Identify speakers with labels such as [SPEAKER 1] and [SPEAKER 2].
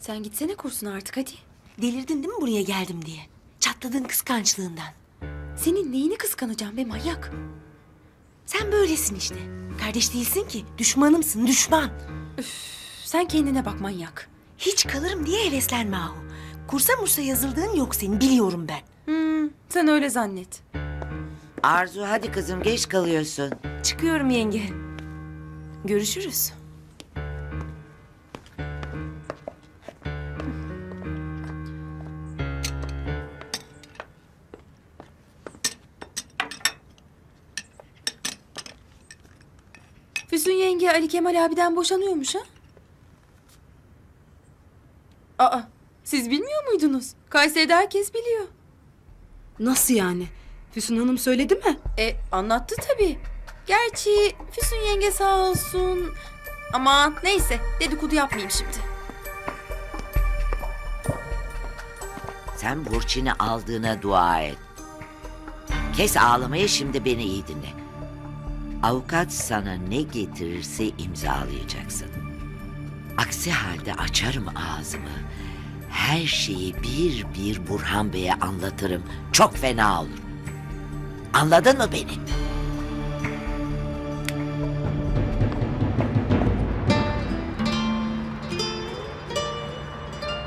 [SPEAKER 1] Sen gitsene kursuna artık hadi.
[SPEAKER 2] Delirdin değil mi buraya geldim diye? Çatladığın kıskançlığından.
[SPEAKER 1] Senin neyini kıskanacağım be manyak?
[SPEAKER 2] Sen böylesin işte. Kardeş değilsin ki. Düşmanımsın, düşman.
[SPEAKER 1] Sen kendine bak manyak.
[SPEAKER 2] Hiç kalırım diye heveslenme Ahu. Kursa mursa yazıldığın yok senin, biliyorum ben.
[SPEAKER 1] Sen öyle zannet.
[SPEAKER 3] Arzu hadi kızım geç kalıyorsun.
[SPEAKER 2] Çıkıyorum yenge. Görüşürüz.
[SPEAKER 1] Füsun yenge Ali Kemal abiden boşanıyormuş ha? Aa, siz bilmiyor muydunuz? Kayseri'de herkes biliyor.
[SPEAKER 4] Nasıl yani? Füsun Hanım söyledi mi?
[SPEAKER 1] Anlattı tabii. Gerçi Füsun yenge sağ olsun. Aman neyse dedikodu yapmayayım şimdi.
[SPEAKER 3] Sen Burçin'i aldığına dua et. Kes ağlamayı, şimdi beni iyi dinle. Avukat sana ne getirirse imzalayacaksın. Aksi halde açarım ağzımı. Her şeyi bir bir Burhan Bey'e anlatırım. Çok fena olur. Anladın mı beni?